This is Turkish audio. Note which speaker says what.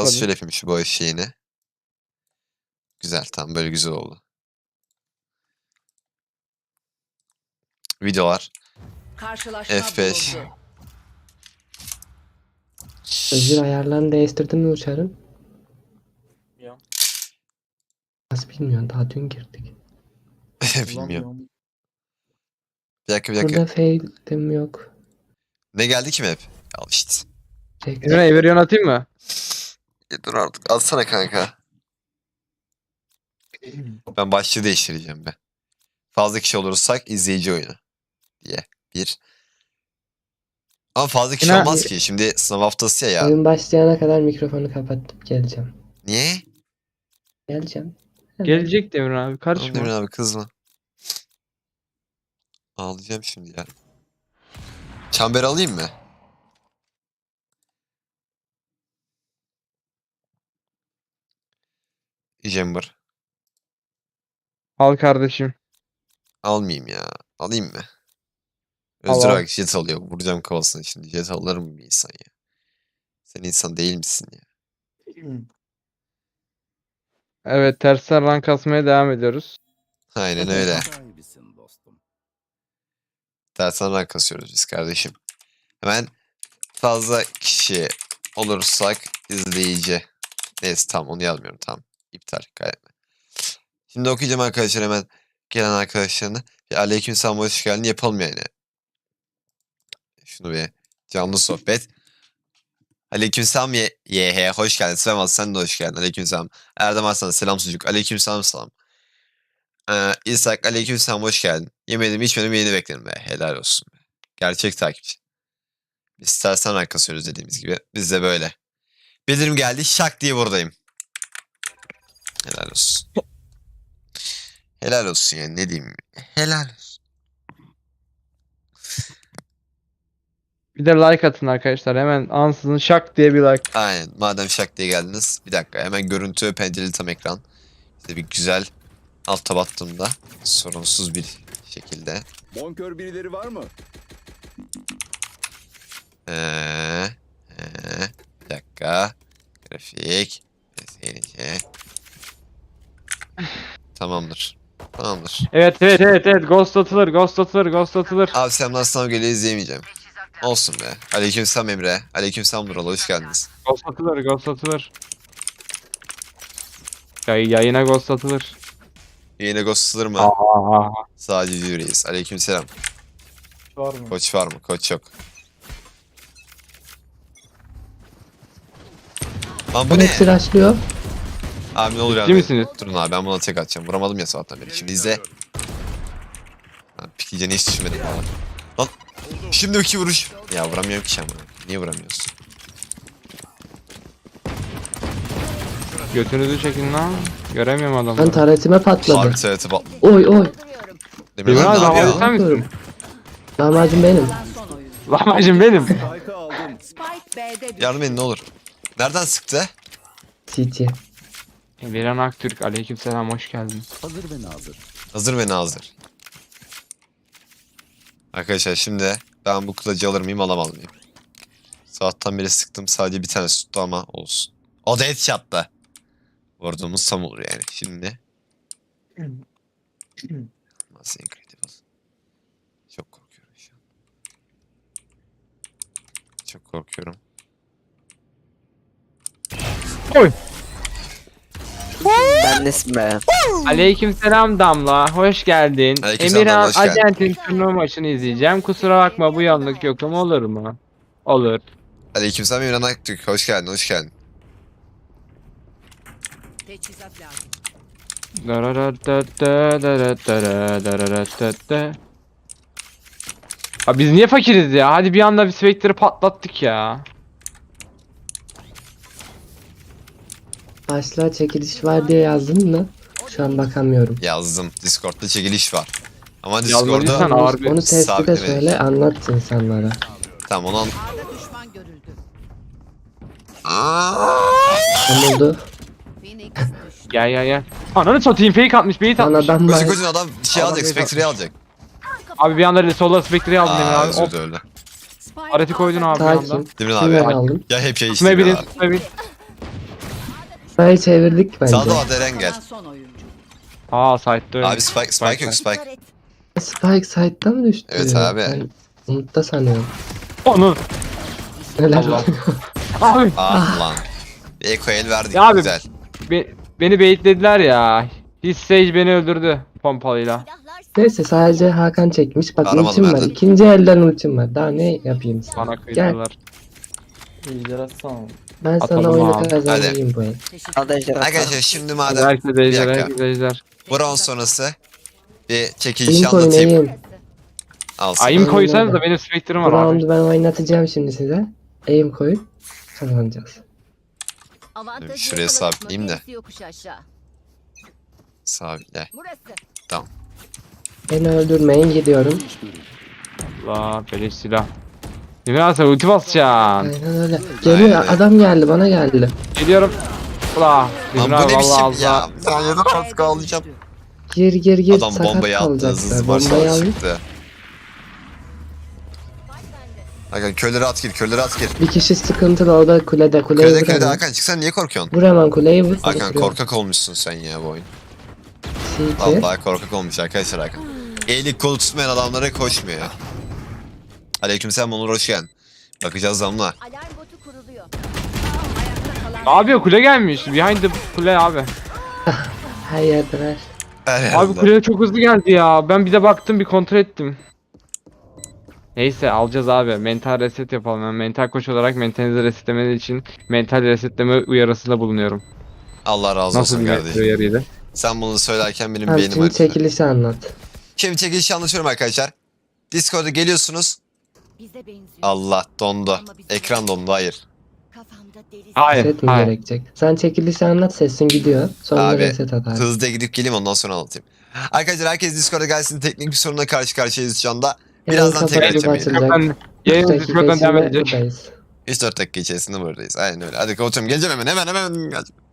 Speaker 1: Atladım.
Speaker 2: şöyle yapayım şu boy şeyini. Güzel, tamam, böyle güzel oldu. Videolar.
Speaker 3: Karşılaşma
Speaker 2: F5.
Speaker 3: bulundu.
Speaker 4: Özür ayarlarını değiştirdin mi uçarın?
Speaker 1: Ya.
Speaker 4: Nasıl bilmiyorsun, daha dün girdik.
Speaker 2: Bilmiyorum. Bir dakika.
Speaker 4: Burada fail'im yok.
Speaker 2: Ne geldi ki hep? Al işte.
Speaker 1: Emre Everyon atayım mı?
Speaker 2: Dur artık. Alsana kanka. Ben başlığı değiştireceğim be. Fazla kişi olursak izleyici oyunu diye. Bir. Ama fazla kişi
Speaker 1: Yine-
Speaker 2: olmaz ki. Şimdi sınav haftası ya.
Speaker 4: Oyun başlayana kadar mikrofonu kapatıp geleceğim.
Speaker 2: Niye?
Speaker 4: Geleceğim.
Speaker 1: Gelecek de Emre abi,
Speaker 2: Tamam
Speaker 1: karışma.
Speaker 2: Demir abi, kızma. Ağlayacağım şimdi ya. Çember alayım mı? Chamber.
Speaker 1: Al kardeşim.
Speaker 2: Almayayım ya. Alayım mı?
Speaker 1: Al,
Speaker 2: Özür
Speaker 1: al.
Speaker 2: bak, jet alıyor. Vuracağım kafasına şimdi. Jet alır mı bir insan ya? Sen insan değil misin ya?
Speaker 1: Evet, tersten rank kasmaya devam ediyoruz.
Speaker 2: Aynen öyle. Tersten rank kasıyoruz biz kardeşim. Hemen fazla kişi olursak izleyici. Neyse tamam, onu yazmıyorum, tamam. İptal, kaydetme. Şimdi okuyacağım arkadaşlar, hemen gelen arkadaşlarına. Bir aleykümselam, hoş geldin yapalım yani. Şunu bir canlı sohbet. Aleykümselam YH, hoş geldin. Selam, sen de hoş geldin. Aleykümselam. Erdem Arslan, selam sucuk. Aleykümselam, selam. İshak, aleykümselam, hoş geldin. Yemedim içmedim, yeni beklerim be. Helal olsun be. Gerçek takipçi. Biz tersten rank kasıyoruz dediğimiz gibi. Biz de böyle. Bildirim geldi, şak diye buradayım. Helal olsun. Helal olsun yani, ne diyeyim. Helal olsun.
Speaker 1: Bir de like atın arkadaşlar. Hemen ansızın şak diye bir like.
Speaker 2: Aynen, madem şak diye geldiniz. Bir dakika, hemen görüntü pencereli tam ekran. İşte bir güzel alt tab attığımda sorunsuz bir şekilde.
Speaker 5: Bonkör birileri var mı?
Speaker 2: Bir dakika. Grafik. SNC. Tamamdır. Tamamdır.
Speaker 1: Evet. Ghost atılır.
Speaker 2: Abi selamlar, sınav geliyor, izleyemeyeceğim. Olsun be. Aleykümselam Emre. Aleykümselam Nural, hoş geldiniz.
Speaker 1: Ghost atılır. Yayına ghost atılır.
Speaker 2: Yine ghostlanır mı?
Speaker 1: Aa.
Speaker 2: Sadece yüreğiz. Aleykümselam.
Speaker 1: Var mı?
Speaker 2: Koç var mı? Koç yok. Lan bu
Speaker 4: Bu
Speaker 2: ne?
Speaker 4: hepsi rushlıyor.
Speaker 2: Abi ne olur
Speaker 1: Ciddi
Speaker 2: yani.
Speaker 1: misiniz?
Speaker 2: Durun abi, ben buna tek atacağım. Vuramadım ya sabahtan beri. Şimdi izle. Pikleyeceğini hiç düşünmedim valla. Lan şimdi iki vuruş. Ya vuramıyorum ki ama. Niye vuramıyorsun?
Speaker 1: Götünüzü çekin lan. Göremiyorum
Speaker 4: Ben
Speaker 1: adamları.
Speaker 4: taretime patladı.
Speaker 2: Harbi seveti bak.
Speaker 4: Oy oy.
Speaker 2: Demir
Speaker 1: Demir
Speaker 2: lan
Speaker 1: abi,
Speaker 2: ne
Speaker 1: havayı
Speaker 2: yapıyor?
Speaker 1: sen misin?
Speaker 4: Lahmacun benim.
Speaker 3: Son oyun.
Speaker 1: Lahmacun benim.
Speaker 5: Spike'ı aldım.
Speaker 3: Spike B'de düştü.
Speaker 2: Yardım edin ne olur. Nereden sıktı?
Speaker 4: CT.
Speaker 1: Viran Aktürk, aleykümselam, hoş geldin.
Speaker 5: Hazır ve nazır.
Speaker 2: Hazır ve nazır. Arkadaşlar şimdi ben bu kılıcı alır mıyım, alamaz mıyım? Sabahtan beri sıktım, sadece bir tane tuttu ama olsun. O da headshot'ta. Vurduğumuz tam olur yani. Şimdi. Nasıl incredible. Çok korkuyorum şu an. Çok korkuyorum.
Speaker 1: Oy.
Speaker 6: Ben nesin be?
Speaker 1: Aleykümselam Damla, hoş geldin.
Speaker 2: Aleykümselam
Speaker 1: Emirhan
Speaker 2: Damla, hoş geldin.
Speaker 1: Acent'in turnuva maçını izleyeceğim. Kusura bakma, bu yanlık yokum, olur mu? Olur.
Speaker 2: Aleykümselam İmran Aktürk. Hoş geldin, hoş geldin.
Speaker 3: Teçhizat lazım.
Speaker 1: Abi biz niye fakiriz ya? Hadi bir anda bir Spectre'ı patlattık ya.
Speaker 4: Başlığa çekiliş var diye yazdın mı? Şu an bakamıyorum.
Speaker 2: Yazdım. Discord'da çekiliş var. Ama
Speaker 1: Yazmadıysan
Speaker 2: Discord'da...
Speaker 1: ağır bir...
Speaker 4: Onu sesli de
Speaker 2: sabitlemedik.
Speaker 4: söyle, anlat insanlara.
Speaker 2: Tamam onu
Speaker 3: A'da düşman görüldü.
Speaker 4: Ne oldu?
Speaker 3: Phoenix düştü.
Speaker 1: Gel. Ananı satayım, fake atmış, bait
Speaker 4: Lan
Speaker 1: atmış.
Speaker 4: adam
Speaker 2: Koşun
Speaker 4: var.
Speaker 2: koşun, adam şey
Speaker 1: Adam
Speaker 2: alacak,
Speaker 1: base
Speaker 2: Spectre'yi alacak.
Speaker 1: Abi bir anda sola Spectre'yi aldım Emir abi.
Speaker 2: Özür
Speaker 1: Hop,
Speaker 2: öyle.
Speaker 3: Spike
Speaker 1: areti koydun abi bir anda.
Speaker 4: Sakin.
Speaker 2: Demir
Speaker 4: Kimler
Speaker 2: abi.
Speaker 4: aldım?
Speaker 2: Ya hep şey
Speaker 1: Tutmayı bilin,
Speaker 2: işte abi.
Speaker 1: tutmayı bilin.
Speaker 4: Burayı çevirdik bence.
Speaker 2: Sağda var Eren gel.
Speaker 3: Kalan son oyuncu.
Speaker 1: Aa site'de öyle.
Speaker 2: Abi Spike yok Spike.
Speaker 4: Spike side'dan mı düştü?
Speaker 2: Evet abi.
Speaker 4: Ben Umut'ta sanıyorum.
Speaker 1: Onu.
Speaker 4: Neler
Speaker 1: Allah.
Speaker 4: oluyor?
Speaker 1: Abi
Speaker 2: Ah lan. Bir Eko el verdik
Speaker 1: Ya abi,
Speaker 2: güzel.
Speaker 1: beni baitlediler ya. His Sage beni öldürdü pompalıyla.
Speaker 4: Neyse sadece Hakan çekmiş. Bak
Speaker 2: Aramalı
Speaker 4: ultim var.
Speaker 2: benden.
Speaker 4: İkinci elden ultim var. Daha ne yapayım sana?
Speaker 1: Bana
Speaker 4: Gel.
Speaker 1: kıydılar.
Speaker 4: Ben sana
Speaker 1: Atalım
Speaker 4: oyunu
Speaker 1: abi.
Speaker 4: kazandırayım bu el.
Speaker 3: Teşekkür
Speaker 2: Arkadaşlar şimdi madem
Speaker 1: Herkes
Speaker 2: bir
Speaker 1: ejder,
Speaker 2: dakika.
Speaker 1: herkes ejder.
Speaker 2: bronz sonrası bir çekiliş
Speaker 4: Aim koyun
Speaker 2: anlatayım.
Speaker 4: aim.
Speaker 2: Alsın.
Speaker 1: Aim
Speaker 4: Aynen
Speaker 1: koysanız da
Speaker 4: öyle.
Speaker 1: benim Spectre'ım
Speaker 4: Bu
Speaker 1: var abi.
Speaker 4: roundu ben oynatacağım şimdi size. Aim koyup kazanacağız.
Speaker 2: Şuraya sabitleyeyim de.
Speaker 3: Gerisi yokuş aşağı.
Speaker 2: Sabitle.
Speaker 3: Burası.
Speaker 4: Beni öldürmeyin gidiyorum.
Speaker 1: Allah beleş silah. Yemin sen ulti basacaksın.
Speaker 4: Aynen öyle. Geliyor
Speaker 2: Aynen.
Speaker 4: adam geldi bana geldi.
Speaker 1: Geliyorum. Ula.
Speaker 2: Lan
Speaker 1: Yemin
Speaker 2: bu ne
Speaker 1: vallahi
Speaker 2: biçim ya?
Speaker 1: Allah.
Speaker 2: Ben yedim artık ağlayacağım.
Speaker 4: Gir
Speaker 2: Adam
Speaker 4: sakat
Speaker 2: bombayı attı hızlı
Speaker 4: kalacaklar.
Speaker 2: başına
Speaker 4: Bombayı al.
Speaker 2: çıktı. Hakan kölleri at gir kölleri at gir.
Speaker 4: Bir kişi sıkıntılı o da kulede. Kuleyi
Speaker 2: Kölede
Speaker 4: vur
Speaker 2: kölede
Speaker 4: hemen.
Speaker 2: Hakan çıksan niye korkuyorsun?
Speaker 4: Vur hemen kuleyi vur.
Speaker 2: Hakan
Speaker 4: Vuruyor.
Speaker 2: korkak olmuşsun sen ya bu oyun.
Speaker 4: CT.
Speaker 2: Vallahi korkak olmuş arkadaşlar Hakan. Eğilik kolu tutmayan adamlara koşmuyor. Aleykümselam Onur hoş geldin. Bakacağız damla.
Speaker 3: Alarm botu kuruluyor. Ayakta
Speaker 1: Ne
Speaker 3: kalan
Speaker 1: yapıyor kule gelmiş. Behind the kule abi.
Speaker 4: Her yerdeler.
Speaker 1: Abi kule çok hızlı geldi ya. Ben bir de baktım bir kontrol ettim. Neyse alacağız abi. Mental reset yapalım. Ben mental koç olarak mentalinizi resetlemeniz için mental resetleme uyarısında bulunuyorum.
Speaker 2: Allah razı
Speaker 1: Nasıl
Speaker 2: olsun
Speaker 1: bir
Speaker 2: kardeşim.
Speaker 1: uyarıydı?
Speaker 2: Sen bunu söylerken benim
Speaker 4: Abi
Speaker 2: beynim
Speaker 4: şimdi
Speaker 2: acıdı.
Speaker 4: çekilişi anlat.
Speaker 2: Şimdi çekilişi anlatıyorum arkadaşlar. Discord'a geliyorsunuz.
Speaker 3: bize benziyor.
Speaker 2: Allah dondu. Ekran dondu hayır.
Speaker 3: Kafamda deli.
Speaker 1: Hayır.
Speaker 4: Reset mi
Speaker 1: Hayır.
Speaker 4: gerekecek? Sen çekilişi anlat sesin gidiyor. Sonra
Speaker 2: Abi,
Speaker 4: reset at abi.
Speaker 2: Hızlıca gidip geleyim ondan sonra anlatayım. Arkadaşlar herkes Discord'a gelsin. Teknik bir sorunla karşı karşıyayız şu anda. Birazdan tekrar
Speaker 4: kapatıp
Speaker 2: açacağım yine.
Speaker 4: açılacak.
Speaker 1: Yayın
Speaker 4: Üç dakika
Speaker 1: Discord'dan devam
Speaker 4: içinde
Speaker 1: edecek.
Speaker 4: buradayız.
Speaker 2: 3-4 dakika içerisinde buradayız. Aynen öyle. Hadi kapatıyorum. Geleceğim hemen. Hemen geleceğim.